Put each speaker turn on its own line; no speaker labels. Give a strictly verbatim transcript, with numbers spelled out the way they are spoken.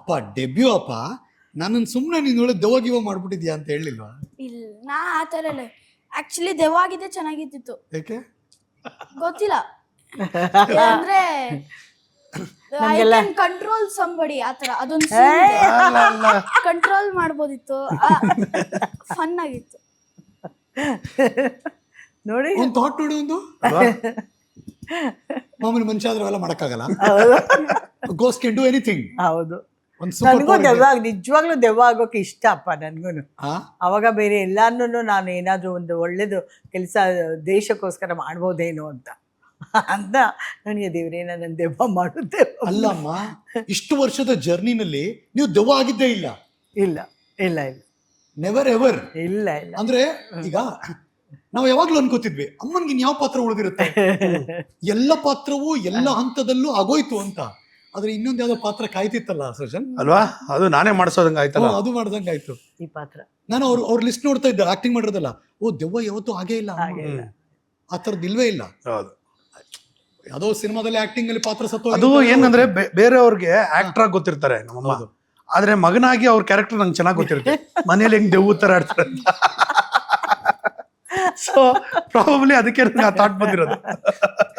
ಅಪ್ಪ ಡೆಬ್ಯೂ ಅಪ್ಪ ನನ್ನನ್ನು ಸುಮ್ಮನೆ ನೀನು ಒಳ್ಳೆ ದೆವ್ವಾಗಿವ ಮಾಡ್ಬಿಟ್ಟಿದ್ಯಾ ಅಂತ ಹೇಳಿಲ್ವಾ?
ಇಲ್ಲ ನಾ ಆ ಥರ ಇಲ್ಲ. ಆಕ್ಚುಲಿ ದೆವ್ವಾಗಿದ್ದೆ ಚೆನ್ನಾಗಿತ್ತಿತ್ತು.
ಯಾಕೆ?
ಗೊತ್ತಿಲ್ಲ ಅಂದ್ರೆ ಐ ಕ್ಯಾನ್ ಕಂಟ್ರೋಲ್ ಸಂಬಡಿ ಆ ಥರ ಅದೊಂದು ಕಂಟ್ರೋಲ್ ಮಾಡ್ಬೋದಿತ್ತು. ಫನ್ ಆಗಿತ್ತು
ನೋಡಿ.
ಒಂದು ಥಾಟ್ ನೋಡಿ, ಒಂದು ಮಾಮೂಲಿ ಮನುಷ್ಯ ಆದ್ರೆ ಅವೆಲ್ಲ ಮಾಡಕ್ಕಾಗಲ್ಲ. Ghost can do anything.
ಹೌದು, ನನಗೂ ದೆವ್ವ ನಿಜವಾಗ್ಲೂ ದೆವ್ವ ಆಗೋಕೆ ಇಷ್ಟ ಅಪ್ಪ ನನ್ಗೂನು. ಅವಾಗ ಬೇರೆ ಎಲ್ಲಾನು ನಾನು ಏನಾದ್ರು ಒಂದು ಒಳ್ಳೇದು ಕೆಲಸ ದೇಶಕ್ಕೋಸ್ಕರ ಮಾಡ್ಬೋದೇನೋ ಅಂತ ಅಂತ ನನಗೆ ದೇವ್ರೇನ ನನ್ನ ದೆವ್ವ ಮಾಡುತ್ತೆ.
ಅಲ್ಲಮ್ಮ, ಇಷ್ಟು ವರ್ಷದ ಜರ್ನಿನಲ್ಲಿ ನೀವು ದೆವ್ವ ಆಗಿದ್ದೇ ಇಲ್ಲ?
ಇಲ್ಲ ಇಲ್ಲ ಇಲ್ಲ,
ನೆವರ್ ಎವರ್.
ಇಲ್ಲ ಇಲ್ಲ.
ಅಂದ್ರೆ ಈಗ ನಾವು ಯಾವಾಗ್ಲೂ ಅನ್ಕೋತಿದ್ವಿ ಅಮ್ಮನ್ಗೆ ಇನ್ ಯಾವ ಪಾತ್ರ ಉಳಿದಿರುತ್ತೆ, ಎಲ್ಲ ಪಾತ್ರವೂ ಎಲ್ಲ ಹಂತದಲ್ಲೂ ಆಗೋಯ್ತು ಅಂತ. ಆದ್ರೆ ಇನ್ನೊಂದ್ ಯಾವ್ದೋ ಪಾತ್ರ ಕಾಯ್ತಿತ್ತಲ್ಲ ಸೃಜನ್
ಅಲ್ವಾ? ಅದು ನಾನೇ ಮಾಡ್ಸೋದಂಗ ಆಯ್ತಲ್ಲ.
ಅದು ಮಾಡ್ದಂಗ ಆಯ್ತು
ಈ ಪಾತ್ರ.
ನಾನು ಅವ್ರ ಅವ್ರ ಲಿಸ್ಟ್ ನೋಡ್ತಾ ಇದ್ದೆ, ಆಕ್ಟಿಂಗ್ ಮಾಡಿರೋದಲ್ಲ. ಓ ದೆವ್ವ ಯಾವತ್ತೂ ಹಾಗೇ ಇಲ್ಲ, ಆ ಥರದ್ದು ಇಲ್ವೇ ಇಲ್ಲ.
ಹೌದು,
ಯಾವುದೋ ಸಿನಿಮಾದಲ್ಲಿ ಆಕ್ಟಿಂಗ್ ಅಲ್ಲಿ ಪಾತ್ರ ಸತ್ತು.
ಅದು ಏನಂದ್ರೆ ಬೇರೆಯವ್ರಿಗೆ ಆಕ್ಟರ್ ಆಗಿ ಗೊತ್ತಿರ್ತಾರೆ ನಮ್ಮಮ್ಮ, ಆದ್ರೆ ಮಗನಾಗಿ ಅವ್ರ ಕ್ಯಾರೆಕ್ಟರ್ ನಂಗೆ ಚೆನ್ನಾಗಿ ಗೊತ್ತಿರುತ್ತೆ. ಮನೇಲಿ ಹೆಂಗ್ ದೆವ್ವ ತರ ಆಡ್ತಾರೆ ಅಂತ. ಸೊ ಪ್ರಾಬಬ್ಲಿ ಅದಕ್ಕೆ ನಂಗೆ ಆ ಥಾಟ್ ಬಂದಿರೋದು.